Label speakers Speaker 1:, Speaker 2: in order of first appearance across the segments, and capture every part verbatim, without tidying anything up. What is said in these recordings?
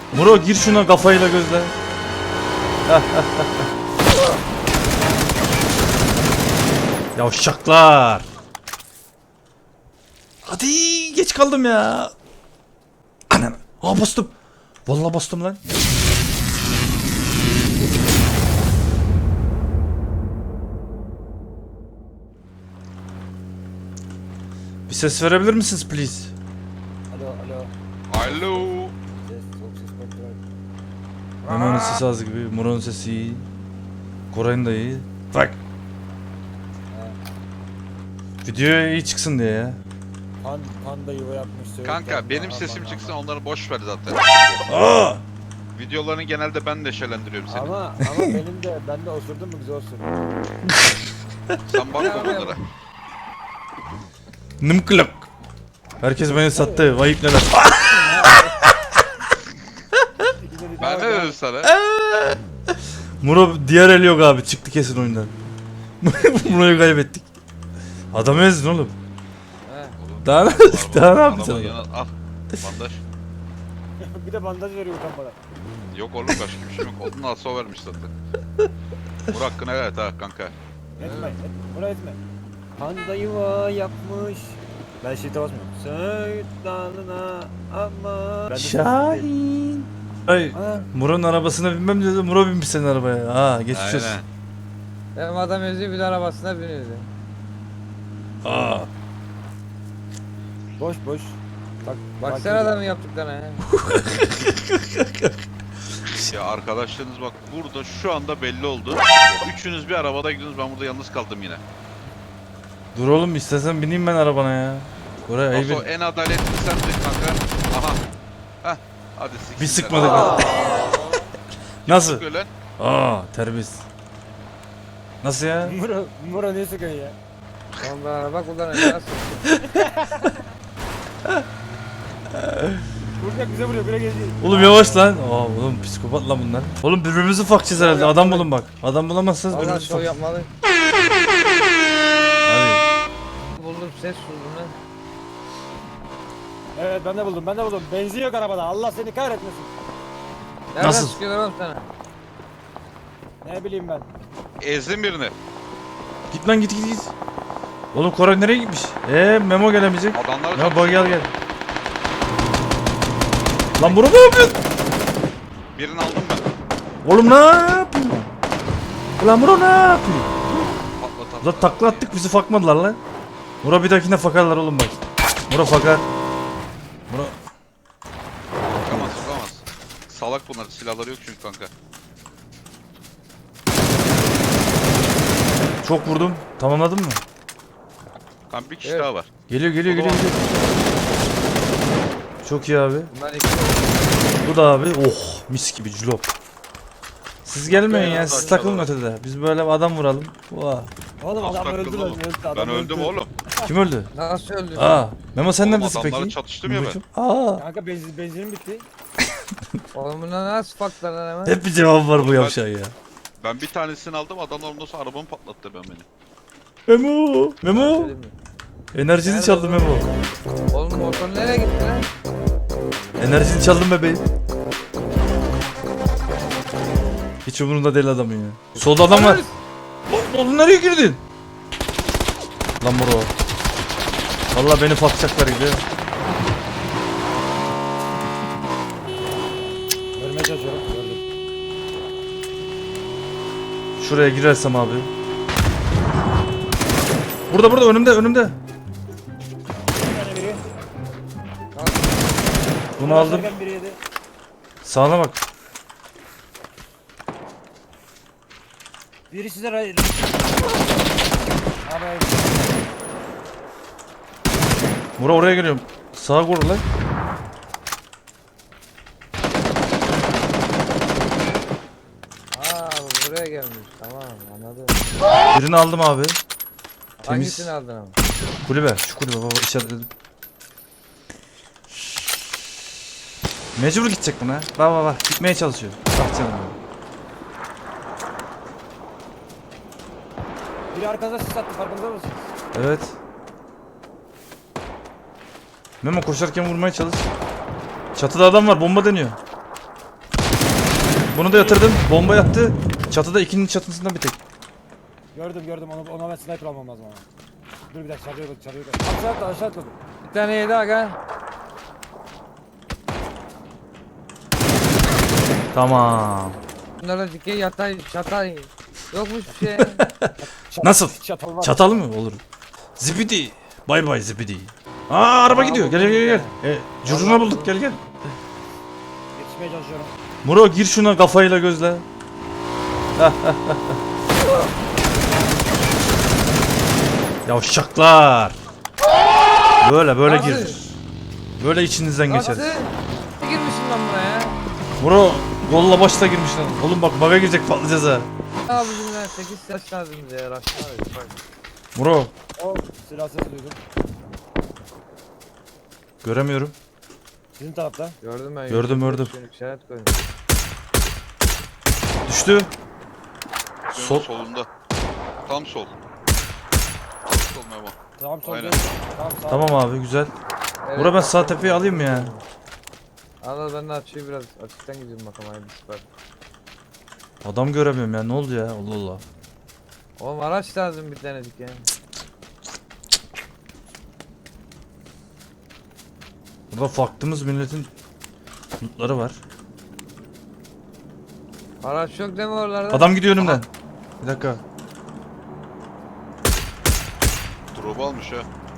Speaker 1: Muro gir şuna kafayla gözle. Yavşaklar. Hadi geç kaldım ya. Anam. Aa bastım. Vallahi bastım lan. Bir ses verebilir misiniz please?
Speaker 2: Alo alo.
Speaker 3: Alo.
Speaker 2: Ses çok ses kontrol.
Speaker 1: Memo'nun sesi az gibi, Muro'nun sesi iyi. Koray'ın da iyi. Bak. Videoya iyi çıksın diye ya.
Speaker 2: Pan, panda yuva yapmış. söğüt
Speaker 3: Kanka
Speaker 2: yapma,
Speaker 3: benim
Speaker 2: aman,
Speaker 3: sesim
Speaker 2: aman.
Speaker 3: çıksın, onları boş ver zaten.
Speaker 1: Aa!
Speaker 3: Videolarını genelde ben neşelendiriyorum seni.
Speaker 2: Ama ama benim de ben de osurdum mu güzel osurdum.
Speaker 3: Sen bakma bunlara.
Speaker 1: Nımkılak. Herkes beni sattı. Vayıp neler.
Speaker 3: Ben ne dedim sana?
Speaker 1: Muro diğer el yok abi. Çıktı kesin oyundan. Muro'yu kaybettik. Adamı ezdin oğlum. Daha ne, daha ne yapacaksın?
Speaker 3: Adamın yanına- Al. Bandaj.
Speaker 2: Bir de bandaj veriyor utanmadan.
Speaker 3: Yok oğlum, başka bir şey yok. Onun alsa o vermiş zaten. Vur hakkını evet ha kanka.
Speaker 2: Etme, etme. Buna etme. Panda yuva yapmış. Ben shift'e basmıyorum. Söğüt dalına ama. Ben de sesim değil.
Speaker 1: Şahin. Ay
Speaker 2: Ha,
Speaker 1: Muro'nun arabasına binmem dedi. Muro binmiş senin arabaya. Ha geçmiş olsun.
Speaker 3: Aynen.
Speaker 4: Benim adam özü bir de arabasına biniyordu.
Speaker 1: Aa.
Speaker 2: boş boş. Bak,
Speaker 4: Baksana adamın yaptıklarına ya.
Speaker 3: Ya arkadaşlarınız bak burada şu anda belli oldu. Üçünüz bir arabada gidiyorsunuz, ben burada yalnız kaldım yine.
Speaker 1: Dur oğlum istesen bineyim ben arabana ya. Koray ayıp
Speaker 3: Nasıl
Speaker 1: et-
Speaker 3: en adaletli sendin kanka. Aha. Heh. Hadi siktir.
Speaker 1: Bir sıkmadık. Nasıl?
Speaker 3: Sıkıyor lan.
Speaker 1: Aa terbiyesiz. Nasıl ya?
Speaker 2: Muro, Muro ne sıkıyorsun ya?
Speaker 4: Tamam ben araba kullanıyorum. Nasıl?
Speaker 2: Vuracak bize vuruyor bire geziyor.
Speaker 1: Oğlum yavaş lan. Aa oğlum psikopat lan bunlar. Oğlum birbirimizi fakçız herhalde. Adam bulun bak. Adam bulamazsanız
Speaker 4: Allah
Speaker 1: birbirimizi
Speaker 4: şov
Speaker 1: fakçız.
Speaker 4: yapmalı.
Speaker 1: Hadi.
Speaker 4: Buldum ses buldum lan.
Speaker 2: Evet ben de buldum ben de buldum. Benzin yok arabada. Allah seni kahretmesin.
Speaker 4: Nereden
Speaker 1: Nasıl?
Speaker 4: sıkıyorlar oğlum sana?
Speaker 2: Ne bileyim ben.
Speaker 3: Ezdim birini.
Speaker 1: Git lan git git git. Oğlum Koray nereye gitmiş? Eee Memo gelemeyecek.
Speaker 3: Adamlar
Speaker 1: Ya bak gel gel. Lan bunu ne yapıyorsun?
Speaker 3: birini aldım ben.
Speaker 1: Oğlum ne yapıyorsun? Lan Muro ne yapıyor?
Speaker 3: Patlat
Speaker 1: Ulan takla attık bizi fakmadılar lan. Muro bir dahakine fakarlar oğlum bak. Muro fakar. Muro.
Speaker 3: Sokamaz sokamaz. Salak bunlar, silahları yok çünkü kanka.
Speaker 1: Çok vurdum. Tamamladın mı?
Speaker 3: Kanka bir kişi
Speaker 4: Evet.
Speaker 3: daha var.
Speaker 1: Geliyor geliyor
Speaker 3: O da
Speaker 1: geliyor.
Speaker 3: var.
Speaker 1: geliyor. Çok iyi abi.
Speaker 4: Bunlar iki.
Speaker 1: Bu da abi. Oh mis gibi culop. Siz gelmeyin ya. Siz takılın ötede. Biz böyle adam vuralım. Vah.
Speaker 2: Oğlum
Speaker 3: Nasıl
Speaker 2: adam öldü
Speaker 3: takıldın
Speaker 2: lan.
Speaker 3: oğlum?
Speaker 2: öldü, adam
Speaker 3: Ben öldüm
Speaker 2: öldü.
Speaker 3: oğlum.
Speaker 1: Kim öldü?
Speaker 4: Nasıl öldü?
Speaker 1: Aa. Memo sen
Speaker 3: Oğlum
Speaker 1: neredesin
Speaker 3: adamlarla
Speaker 1: peki?
Speaker 3: çatıştım ya ben.
Speaker 1: Kim? Aa.
Speaker 2: Kanka benzin, benzinim bitti.
Speaker 4: Oğlum bunlar nasıl faklar lan hemen?
Speaker 1: Hep bir cevap var bu
Speaker 3: Ben-
Speaker 1: yavşağı ya.
Speaker 3: Ben bir tanesini aldım, adamlar ondan sonra arabamı patlattı ben beni.
Speaker 1: Memo. Memo.
Speaker 4: Söyleyeyim mi?
Speaker 1: Enerjini çaldım Memo.
Speaker 4: Oğlum motor nereye gitti lan?
Speaker 1: Enerjini çaldım bebeğim. Hiç umurunda değil adamın ya. Solda adam var. Oğlum oğlum nereye girdin? Lan bro. Vallahi beni fakacaklar gibi.
Speaker 2: Görmeye çalışıyorum. Gördüm.
Speaker 1: Şuraya girersem abi. Burada burada önümde önümde.
Speaker 2: Bir tane biri.
Speaker 1: Bunu aldım.
Speaker 2: Başlarken biri yedi.
Speaker 1: Sağına bak.
Speaker 2: Biri size ray... Abi
Speaker 1: Mura oraya geliyorum. Sağa vur lan.
Speaker 4: Aa bu buraya gelmiş. Tamam anladım.
Speaker 1: Birini aldım abi. Temiz.
Speaker 4: Hangisini aldın ama?
Speaker 1: Kulübe. Şu kulübe baba işaretledim. Mecbur gidecek buna. Bak bak bak. Gitmeye çalışıyor. Bak canım.
Speaker 2: biri arkanıza sis attı farkında mısınız?
Speaker 1: Evet. Memo koşarken vurmaya çalış. Çatıda adam var. Bomba deniyor. Bunu da yatırdım. Bomba yattı. Çatıda ikinin çatısında bir tek.
Speaker 2: Gördüm gördüm onu ona ben sniper almam lazım ama. Dur bir dakika çarpıyor çarpıyor. Aşağı atla aşağı atla.
Speaker 4: Bir tane yedi aga.
Speaker 1: Tamam.
Speaker 4: Bunlara dikey yatay çatay. Yokmuş bir şey.
Speaker 2: Çat-
Speaker 1: Nasıl?
Speaker 2: Çatal var.
Speaker 1: Çatal mı? Olur. Zibidi. Bay bay zibidi. Aa araba
Speaker 4: Aa,
Speaker 1: gidiyor. Gel gel gel. gel. E, curcuna bulduk gel gel.
Speaker 2: Yetişmeye çalışıyorum.
Speaker 1: Muro gir şuna kafayla gözle. Yavşaklar. Böyle böyle
Speaker 4: Nasıl?
Speaker 1: gir. Böyle içinizden geçer.
Speaker 4: Nasıl? Ne girmişsin lan buraya?
Speaker 1: Muro golla başta girmiş lan. Oğlum bak baga girecek patlayacağız ha.
Speaker 4: Abicim ben sekiz yaş lazım bize ya. Raşlar abi. Bak.
Speaker 1: Muro
Speaker 2: O silah sesi duydum.
Speaker 1: göremiyorum.
Speaker 2: Sizin tarafta.
Speaker 4: Gördüm ben.
Speaker 1: Gördüm, gördüm.
Speaker 4: Şöyle işaret koydum.
Speaker 1: Düştü.
Speaker 3: Sol.
Speaker 1: Sol.
Speaker 3: Solunda. Tam sol. Tam sol Memo.
Speaker 2: Tamam sol
Speaker 3: Aynen.
Speaker 2: değil. Tamam sağ.
Speaker 1: Tamam abi güzel.
Speaker 4: Evet,
Speaker 1: Muro ben
Speaker 4: bak.
Speaker 1: sağ tepeyi alayım mı ya?
Speaker 4: Al al ben de açıyı biraz açıktan gidiyorum bakalım aynı süper.
Speaker 1: Adam göremiyorum ya ne oldu ya Allah Allah.
Speaker 4: Oğlum araç lazım bir tanecik ya.
Speaker 1: Burada farklımız milletin lootları var.
Speaker 4: Araç yok değil mi oralarda?
Speaker 1: Adam gidiyor önümden. Bir dakika.
Speaker 3: Drop almış ha.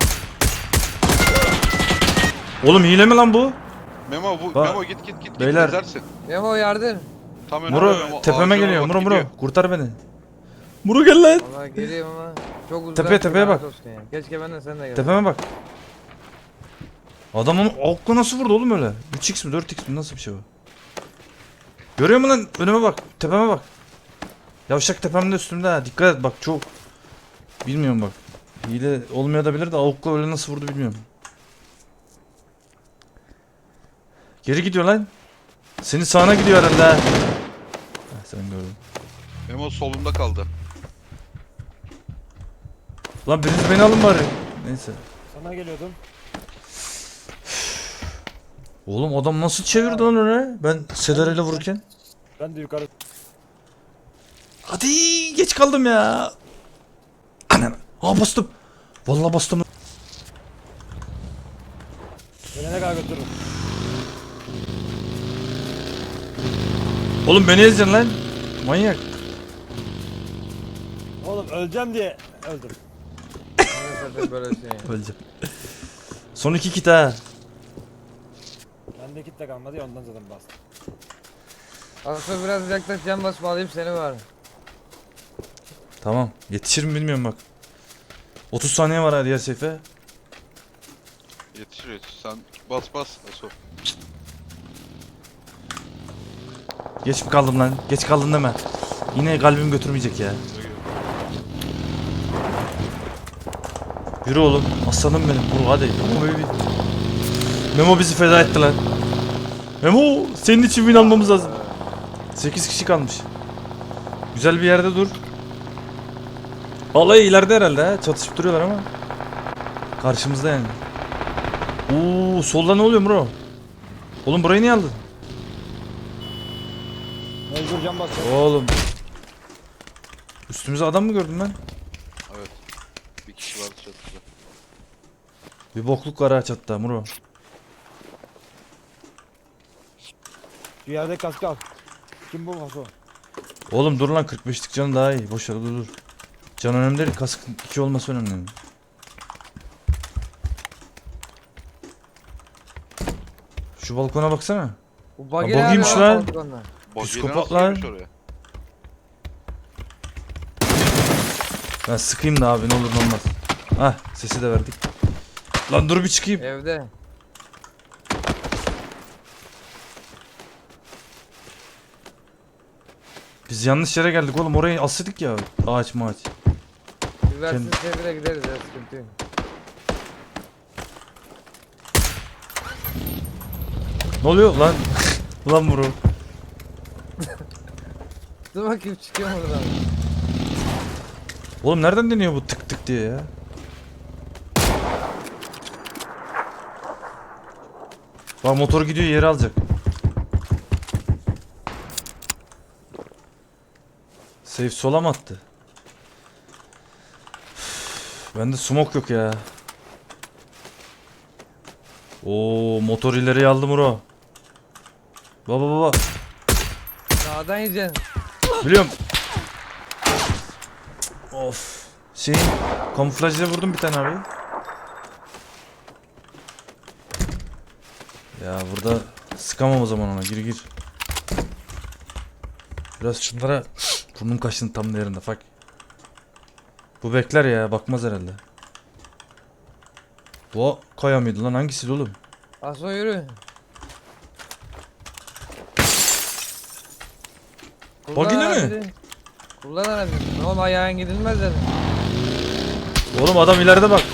Speaker 1: Oğlum hile mi lan bu?
Speaker 3: Memo bu
Speaker 1: Bak,
Speaker 3: Memo git git git
Speaker 1: beyler.
Speaker 3: git gezersin.
Speaker 4: Memo yardım.
Speaker 3: Tam önünde
Speaker 1: Muro
Speaker 3: Memo.
Speaker 1: tepeme
Speaker 3: Ağacına
Speaker 1: geliyor.
Speaker 3: bak,
Speaker 1: Muro Muro
Speaker 3: gidiyor.
Speaker 1: kurtar beni. Muro gel lan.
Speaker 4: Valla geliyorum ama çok uzak.
Speaker 1: Tepeye, tepeye
Speaker 4: lanet
Speaker 1: bak.
Speaker 4: olsun ya. Keşke ben de sen de gel.
Speaker 1: Tepeme bak. Adam onu okla nasıl vurdu oğlum öyle? üç x mi dört x mi nasıl bir şey bu? Görüyor musun lan? Önüme bak. Tepeme bak. Yavşak tepemde üstümde ha. Dikkat et bak çok. Bilmiyorum bak. Hile olmayabilir de avukla öyle nasıl vurdu bilmiyorum. Geri gidiyor lan. Senin sağına gidiyor herhalde ha. Heh, sen gördün.
Speaker 3: Memo solunda kaldı.
Speaker 1: Lan biriniz beni alın bari. Neyse.
Speaker 2: Sana geliyordum.
Speaker 1: Oğlum adam nasıl çevirdi lan öyle? Ben Sedar ile vururken.
Speaker 2: Ben de yukarı.
Speaker 1: Hadi geç kaldım ya. Anam. Aa bastım. Vallahi bastım.
Speaker 2: Beni ne kadar götürürüm.
Speaker 1: Oğlum beni ezeceksin lan. Manyak.
Speaker 2: Oğlum öleceğim diye öldüm.
Speaker 4: Maalesef böyle şey.
Speaker 1: Öleceğim. Son iki kit ha.
Speaker 2: Bende kit de kalmadı ya ondan zaten bastım.
Speaker 4: Aslında biraz yaklaş can basma alayım seni var.
Speaker 1: Tamam. Yetişir mi bilmiyorum bak. otuz saniye var ha diğer seyfe.
Speaker 3: Yetişir yetişir. Sen bas bas. Aso.
Speaker 1: Geç mi kaldım lan? Geç kaldın deme. Yine kalbim götürmeyecek ya. Yürü oğlum. Aslanım benim. Vur hadi. Memo baby. Memo bizi feda etti lan. Memo senin için win almamız lazım. sekiz kişi kalmış. Güzel bir yerde dur. Vallahi ileride herhalde ha. Çatışıp duruyorlar ama. Karşımızda yani. Oo solda ne oluyor bro? Oğlum burayı niye aldın?
Speaker 2: Mecbur can basacağım.
Speaker 1: Oğlum. Üstümüze adam mı gördüm ben?
Speaker 3: Evet. Bir kişi vardı çatıda.
Speaker 1: Bir bokluk var ha çatıda Muro.
Speaker 2: Şu yerde kask al. Kim bu kasko?
Speaker 1: Oğlum dur lan kırk beşlik canı daha iyi. Boş ver dur dur. Can önemli değil. Kask iki olması önemli. Şu balkona baksana.
Speaker 4: Bu
Speaker 1: Ha,
Speaker 4: buggy
Speaker 1: buggy'ymiş
Speaker 4: nerede
Speaker 1: lan.
Speaker 4: balkonda?
Speaker 1: Psikopat
Speaker 3: Psikopat
Speaker 1: lan.
Speaker 3: lan. Oraya.
Speaker 1: Ben sıkayım da abi ne olur ne olmaz. Hah sesi de verdik. Lan dur bir çıkayım.
Speaker 4: Evde.
Speaker 1: Biz yanlış yere geldik oğlum orayı asıdık ya. Ağaç mağaç.
Speaker 4: Bir versin sevire gideriz ya sıkıntı yok.
Speaker 1: Ne oluyor lan? Lan Muro.
Speaker 4: Dur bakayım çıkıyor mu buradan?
Speaker 1: Oğlum nereden deniyor bu tık tık diye ya? Bak motor gidiyor yeri alacak. Safe sola mı attı? Bende smoke yok ya. Oo, motor ileriye aldım Muro. Baba baba.
Speaker 4: Sağdan yiyeceksin.
Speaker 1: Biliyorum. Of. Şeyin kamuflajla vurdum bir tane abi. Ya burada sıkamam o zaman ona. Gir gir. Biraz şunlara burnum kaşın tam yerinde bak. Bu bekler ya, bakmaz herhalde. Bu kaya mıydı lan, hangisiydi oğlum?
Speaker 4: Aso yürü.
Speaker 1: Bak yine mi?
Speaker 4: aracı. Kullan aracı. Oğlum ayağın gidilmez dedi.
Speaker 1: Oğlum adam ileride bak.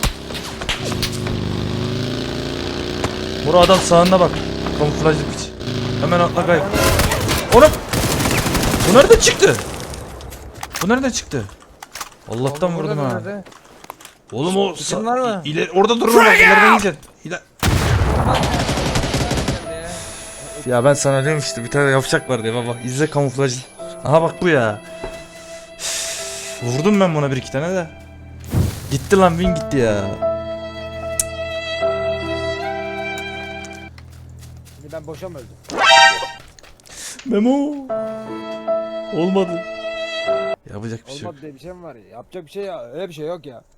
Speaker 1: Bura adam sağında bak. Kamuflajlı piç. Hemen atla kay. Oğlum. Bu nereden çıktı? Bu nereden çıktı? Allah'tan
Speaker 4: Oğlum,
Speaker 1: vurdum
Speaker 4: burada
Speaker 1: ha.
Speaker 4: nerede?
Speaker 1: Oğlum o
Speaker 4: Kim var mı?
Speaker 1: i- ileri orada durma bak, ileriden yiyeceksin. İler- Ya ben sana diyorum işte, bir tane yapacak var diye baba. İzle kamuflajlı. Aha bak bu ya. Üf, vurdum ben buna bir iki tane de. Gitti lan, win gitti ya.
Speaker 2: Şimdi ben boşa mı öldüm?
Speaker 1: Memo. Olmadı. Yapacak bir şey yok.
Speaker 2: Olmadı diye bir şey mi var ya? Yapacak bir şey ya. Öyle bir şey yok ya.